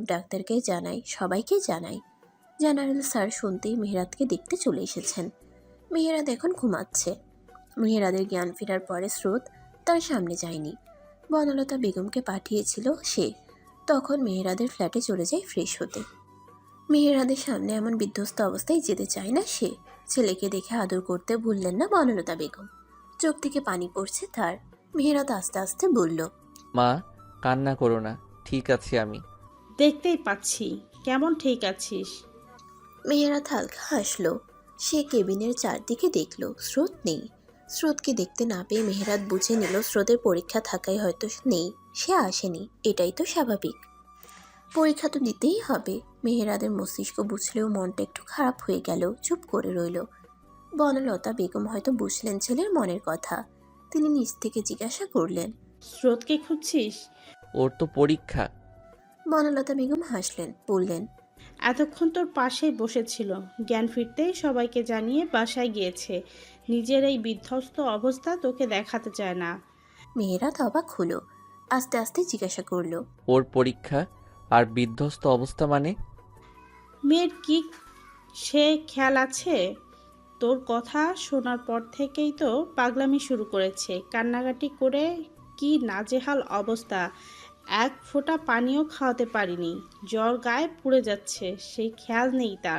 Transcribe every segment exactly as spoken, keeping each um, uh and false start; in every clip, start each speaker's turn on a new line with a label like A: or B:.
A: ডাক্তারকে জানাই, সবাইকে জানাই। জেনারেল স্যার শুনতেই মেহেরাতকে দেখতে চলে এসেছেন। মেহেরাত এখন ঘুমাচ্ছে। মেহেরাদের জ্ঞান ফেরার পরে স্রোত তার সামনে যায়নি। বনলতা বেগমকে পাঠিয়েছিল সে। তখন মেহেরাদের ফ্ল্যাটে চলে যায় ফ্রেশ হতে। মেহেরাদের সামনে এমন বিধ্বস্ত অবস্থায় যেতে চায় না সে। ছেলেকে দেখে আদর করতে ভুললেন না বনলতা বেগম। চোখ থেকে পানি পড়ছে তার। মেহেরাত আস্তে আস্তে বলল,
B: মা, কান্না করো না, ঠিক আছি আমি।
C: দেখতেই পাচ্ছি কেমন ঠিক আছিস।
A: মেহেরাত হালকা হাসল। সে কেবিনের চারদিকে দেখল, স্রোত নেই। স্রোতকে দেখতে না পেয়ে মেহেরাত বুঝে নিল স্রোতের পরীক্ষা থাকায় হয়তো নেই, সে আসেনি। এটাই তো স্বাভাবিক, পরীক্ষা তো দিতেই হবে। মেহেরাদের মস্তিষ্ক বুঝলেও মনটা একটু খারাপ হয়ে গেল, চুপ করে রইল। বনলতা বেগম হয়তো বুঝলেন ছেলের মনের কথা। তিনি নিজ থেকে জিজ্ঞাসা করলেন,
C: স্রোতকে খুঁজছিস?
B: ওর তো পরীক্ষা।
A: বনলতা বেগম হাসলেন, বললেন,
C: এতক্ষণ তোর পাশেই বসেছিল, জ্ঞান ফিরতেই সবাইকে জানিয়ে বাসায় গিয়েছে। নিজের এই বিধ্বস্ত অবস্থা তোকে দেখাতে চায় না।
A: মেহেরাত অবাক হলো, আস্তে আস্তে জিজ্ঞাসা করলো,
B: ওর পরীক্ষা আর বিধ্বস্ত অবস্থা মানে?
C: মেয়ের কি সে খেয়াল আছে? তোর কথা শোনার পর থেকেই তো পাগলামি শুরু করেছে, কান্নাকাটি করে কি নাজেহাল অবস্থা। এক ফোঁটা পানিও খাওয়াতে পারিনি, জ্বর গায়ে পুড়ে যাচ্ছে, সেই খেয়াল নেই তার।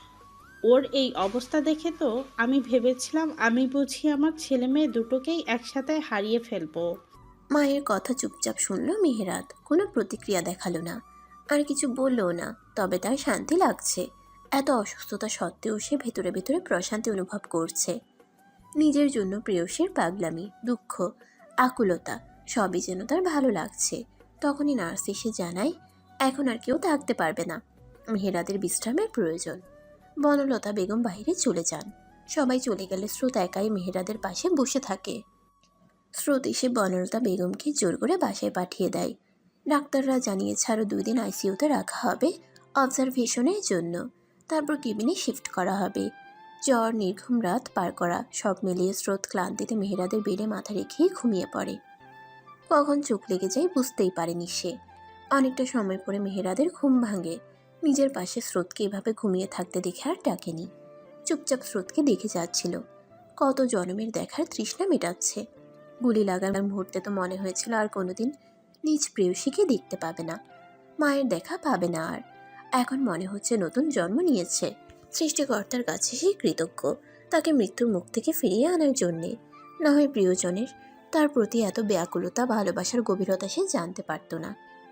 C: ওর এই অবস্থা দেখে তো আমি ভেবেছিলাম আমি বুঝি আমার ছেলে মেয়ে দুটোকেই একসাথে হারিয়ে ফেলবো।
A: মায়ের কথা চুপচাপ শুনল মেহেরাত, কোনো প্রতিক্রিয়া দেখালো না, আর কিছু বললও না। তবে তার শান্তি লাগছে। এত অসুস্থতা সত্ত্বেও সে ভেতরে ভেতরে প্রশান্তি অনুভব করছে। নিজের জন্য প্রেয়সীর পাগলামি, দুঃখ, আকুলতা সবই যেন তার ভালো লাগছে। তখনই নার্স এসে জানায়, এখন আর কেউ থাকতে পারবে না, মেহেরাদের বিশ্রামের প্রয়োজন। বনলতা বেগম বাইরে চলে যান। সবাই চলে গেলে স্রোত একাই মেহেরাদের পাশে বসে থাকে। স্রোত এসে বনলতা বেগমকে জোর করে বাসায় পাঠিয়ে দেয়। ডাক্তাররা জানিয়েছে আরও দুই দিন আইসিইউতে রাখা হবে অবজারভেশনের জন্য, তারপর কেবিনে শিফট করা হবে। জ্বর, নির্ঘুম রাত পার করা, সব মিলিয়ে স্রোত ক্লান্তিতে মেহেরাদের বেডে মাথা রেখেই ঘুমিয়ে পড়ে। কখন চোখ লেগে যায় বুঝতেই পারেনি সে। অনেকটা সময় পরে মেহেরাদের ঘুম ভাঙে। নিজের পাশে স্রোতকে এভাবে ঘুমিয়ে থাকতে দেখে আর ডাকেনি। চুপচাপ স্রোতকে দেখে যাচ্ছিল। কত জনমের দেখার তৃষ্ণা মেটাচ্ছে। গুলি লাগার মুহূর্তে তো মনে হয়েছিল আর কোনোদিন নিজ প্রেয়সীকে দেখতে পাবে না, মায়ের দেখা পাবে না আর। এখন মনে হচ্ছে নতুন জন্ম নিয়েছে। সৃষ্টিকর্তার কাছে সে কৃতজ্ঞ, তাকে মৃত্যুর মুখ থেকে ফিরিয়ে আনার জন্যে। না হয় প্রিয়জনের তার প্রতি এত ব্যাকুলতা, ভালোবাসার গভীরতা সে জানতে পারত না।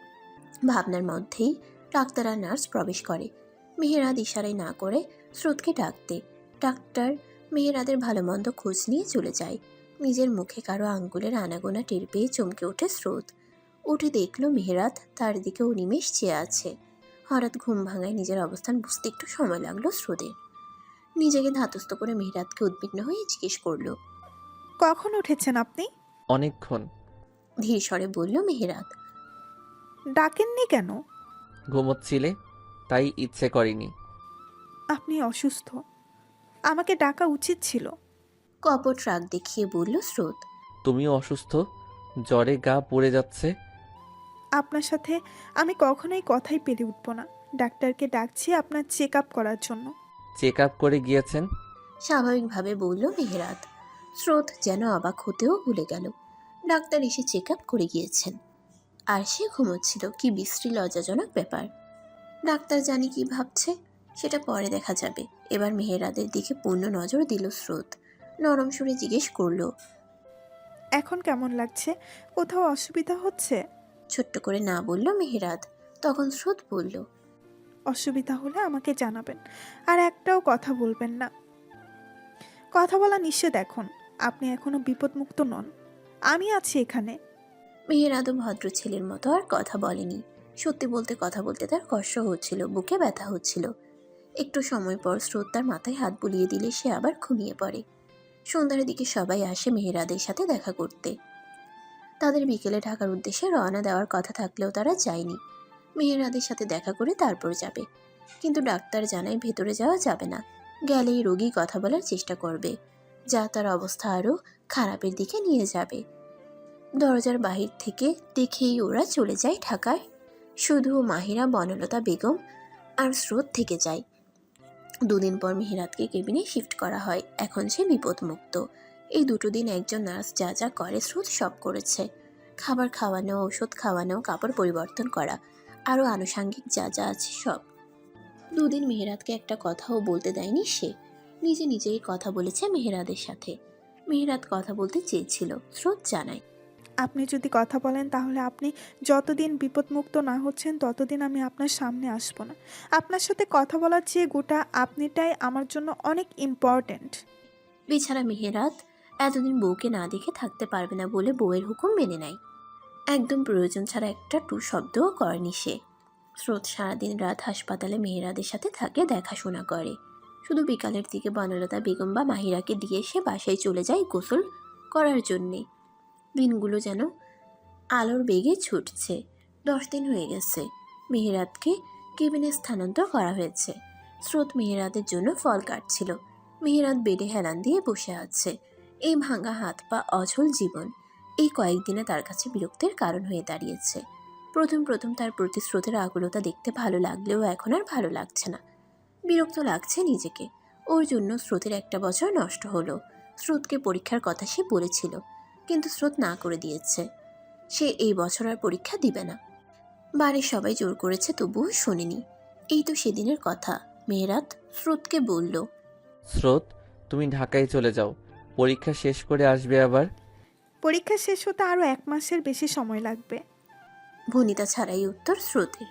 A: ভাবনার মধ্যেই ডাক্তার আর নার্স প্রবেশ করে। মেহেরাদ ইশারায় না করে স্রোতকে ডাকতে। ডাক্তার মেহেরাদের ভালো মন্দ খোঁজ নিয়ে চলে যায়। নিজের মুখে কারো আঙ্গুলের আনাগোনা টের পেয়ে চমকে ওঠে স্রোত। উঠে দেখল মেহেরাত তার দিকে অনিমেষ চেয়ে আছে। হঠাৎ ঘুম ভাঙায় নিজের অবস্থান বুঝতে একটু সময় লাগলো স্রোতের। নিজেকে ধাতস্থ করে মেহেরাতকে উদ্বিগ্ন হয়ে জিজ্ঞেস করলো,
D: কখন উঠেছেন আপনি?
B: অনেকক্ষণ।
A: ধীর স্বরে বলল মেহেরাত।
D: ডাকেননি কেন?
B: ঘুমোচ্ছিলে, তাই ইচ্ছে করেনি।
D: আপনি অসুস্থ, আমাকে ডাকা উচিত ছিল।
A: কপট রাগ দেখিয়ে বলল স্রোত।
B: তুমিও অসুস্থ, জ্বরে গা পুড়ে যাচ্ছে।
D: আপনার সাথে আমি কখনোই কথাই পেরে উঠব না। ডাক্তারকে ডাকছি আপনার চেক আপ করার জন্য।
B: চেক আপ করে গিয়েছেন?
A: স্বাভাবিকভাবে বলল মেহেরাত। স্রোত যেন অবাক হতেও ভুলে গেল। ডাক্তার এসে চেক আপ করে গিয়েছেন আর সে ঘুমোচ্ছিল। কি বিশ্রী লজ্জাজনক ব্যাপার। ডাক্তার জানি কি ভাবছে, সেটা পরে দেখা যাবে। এবার মেহেরাদের দিকে পূর্ণ নজর দিল স্রোত। নরম সুরে জিজ্ঞেস করলো,
D: এখন কেমন লাগছে? কোথাও অসুবিধা হচ্ছে?
A: ছোট্ট করে না বলল মেহেরাত। তখন স্রোত বলল,
D: অসুবিধা হলে আমাকে জানাবেন, আর একটাও কথা বলবেন না। কথা বলা নিষেধ এখন। আপনি এখনো বিপদমুক্ত নন, আমি আছি এখানে।
A: মেহেরাদও ভদ্র ছেলের মতো আর কথা বলেনি। সত্যি বলতে কথা বলতে তার কষ্ট হচ্ছিল, বুকে ব্যথা হচ্ছিল। একটু সময় পর স্রোত তার মাথায় হাত বুলিয়ে দিলে সে আবার ঘুমিয়ে পড়ে। সন্ধ্যার দিকে সবাই আসে মেহেরাদের সাথে দেখা করতে। তাদের বিকেলে ঢাকার উদ্দেশ্যে রওনা দেওয়ার কথা থাকলেও তারা যায়নি। মেহেরাদের সাথে দেখা করে তারপর যাবে। কিন্তু ডাক্তার জানায় ভেতরে যাওয়া যাবে না, গেলেই রোগী কথা বলার চেষ্টা করবে, যা তার অবস্থা আরও খারাপের দিকে নিয়ে যাবে। দরজার বাহির থেকে দেখেই ওরা চলে যায় ঢাকার শুধু মাহিরা, বনলতা বেগম আর স্রোত থেকে যায়। দুদিন পর মেহেরাতকে কেবিনে শিফট করা হয়। এখন সে বিপদমুক্ত। এই দুটো দিন একজন নার্স যা যা করে স্রোত সব করেছে। খাবার খাওয়ানো, ওষুধ খাওয়ানো, কাপড় পরিবর্তন করা, আরও আনুষাঙ্গিক যা যা আছে সব। দুদিন মেহেরাতকে একটা কথাও বলতে দেয়নি সে। নিজে নিজেই কথা বলেছে মেহেরাদের সাথে। মেহেরাত কথা বলতে চেয়েছিল, স্রোত জানায়।
D: আপনি যদি কথা বলেন তাহলে আপনি যতদিন বিপদমুক্ত না হচ্ছেন ততদিন আমি আপনার সামনে আসব না। আপনার সাথে কথা বলার চেয়ে গোটা আপনিটাই আমার জন্য অনেক ইম্পর্ট্যান্ট।
A: বেচারা মেহেরাত এতদিন বউকে না দেখে থাকতে পারবে না বলে বউয়ের হুকুম মেনে নেয়। একদম প্রয়োজন ছাড়া একটা টু শব্দও করেনি সে। স্রোত সারাদিন রাত হাসপাতালে মেহেরাদের সাথে থাকে, দেখাশোনা করে। শুধু বিকালের দিকে বনলতা বেগম বা মাহিরাকে দিয়ে সে বাসায় চলে যায় গোসল করার জন্যে। দিনগুলো যেন আলোর বেগে ছুটছে। দশ দিন হয়ে গেছে মেহেরাতকে কেবিনে স্থানান্তর করা হয়েছে। স্রোত মেহেরাদের জন্য ফল কাটছিল। মেহেরাত বেডে হেলান দিয়ে বসে আছে। এই ভাঙা হাত পা, অঝল জীবন এই কয়েকদিনে তার কাছে বিরক্তির কারণ হয়ে দাঁড়িয়েছে। প্রথম প্রথম তার প্রতি স্রোতের আকুলতা দেখতে ভালো লাগলেও এখন আর ভালো লাগছে না। বিরক্ত লাগছে নিজেকে। ওর জন্য স্রোতের একটা বছর নষ্ট হলো। স্রোতকে পরীক্ষার কথা সে বলেছিল, কিন্তু স্রোত না করে দিয়েছে। সে এই বছর আর পরীক্ষা দিবে না। বাড়ির সবাই জোর করেছে, তবুও শোনেনি। এই তো সেদিনের কথা। মেহেরাত স্রোতকে বলল,
B: স্রোত, তুমি ঢাকায় চলে যাও, পরীক্ষা শেষ করে আসবে আবার।
D: পরীক্ষা শেষ হতে আরও এক মাসের বেশি সময় লাগবে।
A: ভনিতা ছাড়াই উত্তর স্রোতের।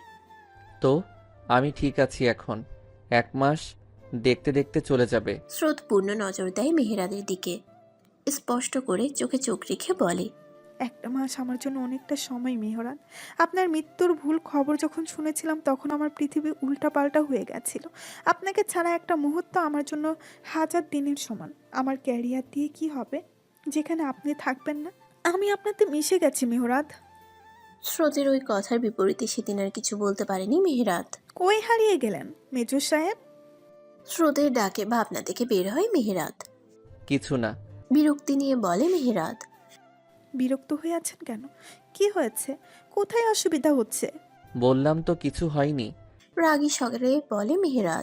B: তো আমি ঠিক আছি এখন, এক মাস দেখতে দেখতে চলে যাবে।
A: স্রোত পূর্ণ নজর দেয় মেহেরাদের দিকে। স্পষ্ট করে চোখে চোখ রেখে বলে,
D: একটা মাস আমার জন্য অনেকটা সময় মেহরান। আপনার মৃত্যুর ভুল খবর যখন শুনেছিলাম তখন আমার পৃথিবী উল্টাপাল্টা হয়ে গেছিল। আপনাকে ছাড়া একটা মুহূর্ত আমার জন্য হাজার দিনের সমান। আমার ক্যারিয়ার দিয়ে কি হবে যেখানে আপনি থাকবেন না? আমি আপনাতে মিশে গেছি মেহরাত।
A: স্রোতের ওই কথার বিপরীতে সেদিন আর কিছু বলতে পারেনি মেহেরাত।
D: কই হারিয়ে গেলেন মেজর সাহেব?
A: স্রোতের ডাকে ভাবনা থেকে বের হয় মেহেরাত।
B: কিছু না।
A: বিরক্তি নিয়ে বলে মেহেরাত।
D: বিরক্ত হয়ে আছেন কেন? কি হয়েছে? কোথায় অসুবিধা হচ্ছে?
B: বললাম তো কিছু হয়নি।
A: রাগী স্বরে বলে মেহেরাত।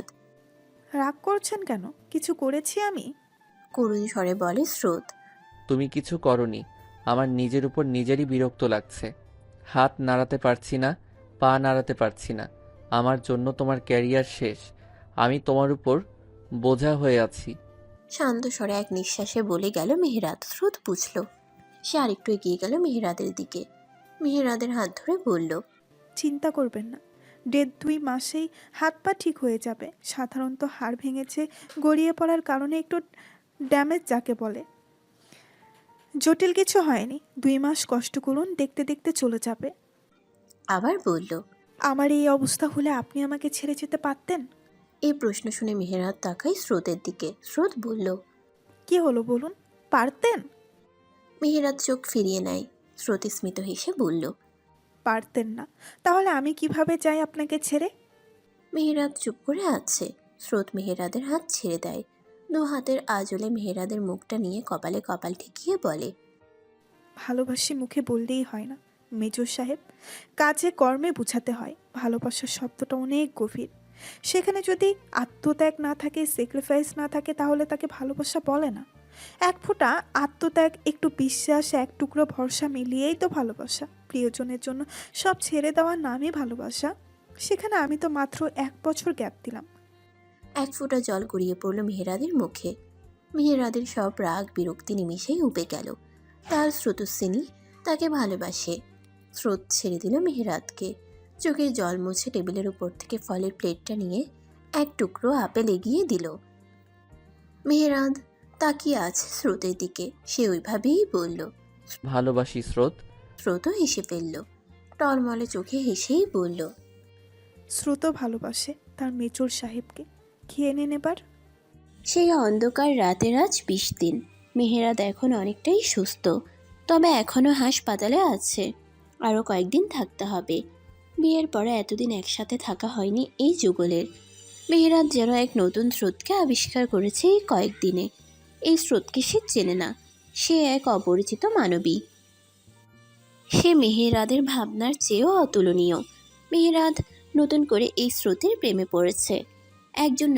D: রাগ করছেন কেন? কিছু করেছি আমি?
A: করুণ স্বরে বলে স্রোত।
B: তুমি কিছু করনি। আমার নিজের উপর নিজেরই বিরক্ত লাগছে। হাত নাড়াতে পারছি না, পা নাড়াতে পারছি না। আমার জন্য তোমার ক্যারিয়ার শেষ। আমি তোমার উপর বোঝা হয়ে আছি।
A: শান্ত স্বরে এক নিঃশ্বাসে বলে গেল মেহেরাত। স্রোত বুঝল। সে আরেকটু এগিয়ে গেল মেহেরাদের দিকে। মেহেরাদের হাত ধরে বলল,
D: চিন্তা করবেন না, দেড় দুই মাসেই হাত পা ঠিক হয়ে যাবে। সাধারণত হাড় ভেঙেছে, গড়িয়ে পড়ার কারণে একটু ড্যামেজ যাকে বলে। জটিল কিছু হয়নি। দুই মাস কষ্ট করুন, দেখতে দেখতে চলে যাবে।
A: আবার বলল,
D: আমার এই অবস্থা হলে আপনি আমাকে ছেড়ে যেতে পারতেন?
A: এই প্রশ্ন শুনে মেহেরাত তাকায় স্রোতের দিকে। স্রোত বলল,
D: কি হলো বলুন, পারতেন?
A: মেহেরাত চোখ ফিরিয়ে নেয়। স্রোত স্মিত হেসে বলল,
D: পারতেন না? তাহলে আমি কিভাবে যাই আপনাকে ছেড়ে?
A: মেহেরাত চুপ করে আছে। স্রোত মেহেরাদের হাত ছেড়ে দেয়। দু হাতের আঁচলে মেহেরাদের মুখটা নিয়ে কপালে কপাল ঠেকিয়ে বলে,
D: ভালোবাসি মুখে বললেই হয় না মেজর সাহেব, কাজে কর্মে বোঝাতে হয়। ভালোবাসার শব্দটা অনেক গভীর। সেখানে যদি আত্মত্যাগ না থাকে, স্যাক্রিফাইস না থাকে, তাহলে তাকে ভালোবাসা বলে না। এক ফোঁটা আত্মত্যাগ, একটু বিশ্বাস, এক টুকরো ভরসা মিলিয়েই তো ভালোবাসা। প্রিয়জনের জন্য সব ছেড়ে দেওয়ার নামই ভালোবাসা। সেখানে আমি তো মাত্র এক বছর গ্যাপ দিলাম।
A: এক ফোঁটা জল গড়িয়ে পড়ল মেহেরাদের মুখে। মেহেরাদের সব রাগ বিরক্তি নিমিষেই উপে গেল। তার স্রোতস্বিনী তাকে ভালোবাসে। স্রোত ছেড়ে দিল মেহেরাতকে। চোখের জল মুছে টেবিলের উপর থেকে ফলের প্লেটটা নিয়ে এক টুকরো আপেল এগিয়ে দিল। মেহেরাদ তাকিয়ে আছে স্রোতের দিকে। সে ওইভাবেই বলল,
B: ভালোবাসি স্রোত।
A: স্রোতও হেসে ফেলল। টলমলে চোখে হেসেই বলল,
D: স্রোত ভালোবাসে তার মেজর সাহেবকে। খেয়ে নেন এবার।
A: সেই অন্ধকার রাতের আজ বিশ দিন। মেহেরাদ এখন অনেকটাই সুস্থ, তবে এখনও হাসপাতালে আছে। আরও কয়েকদিন থাকতে হবে। বিয়ের পরে এতদিন একসাথে থাকা হয়নি এই যুগলের। মেহেরাদ যেন এক নতুন স্রোতকে আবিষ্কার করেছে এই কয়েকদিনে। এই স্রোতকে সে চেনে না। সে এক অপরিচিত মানবী। সে মেহেরাদের ভাবনার চেয়েও অতুলনীয়। মেহেরাত নতুন করে এই স্রোতের প্রেমে পড়েছে। একজন